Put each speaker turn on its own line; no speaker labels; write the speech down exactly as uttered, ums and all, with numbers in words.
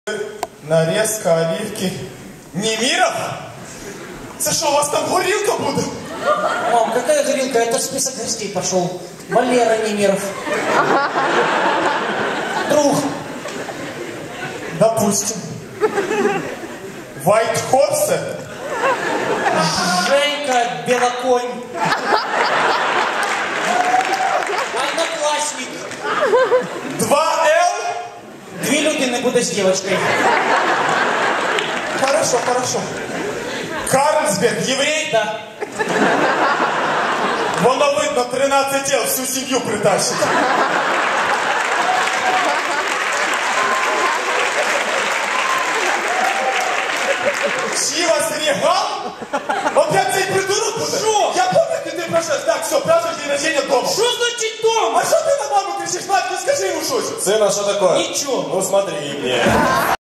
Нарезка оливки. Немиров? Это что, у вас там горилка будет?
Мам, какая горилка? Это список гостей пошел. Валера Немиров. Друг.
Допустим. White Horse?
Женька Белоконь. Одноклассник.
два эл?
Две Любины буду с девочкой.
Хорошо, хорошо. Карлсберг, еврей?
Да.
Воно видно, тринадцать тел, всю семью притащит. Чивас Регал? Опять цей придурок буде?
Що?
Я помню, ти прошел. Так, все, праздник день рождения дома.
Что значит дом?
А что ты на маму кричишь? Мать, не скажи ему что-то.
Сына, что такое?
Ничего.
Ну смотри мне.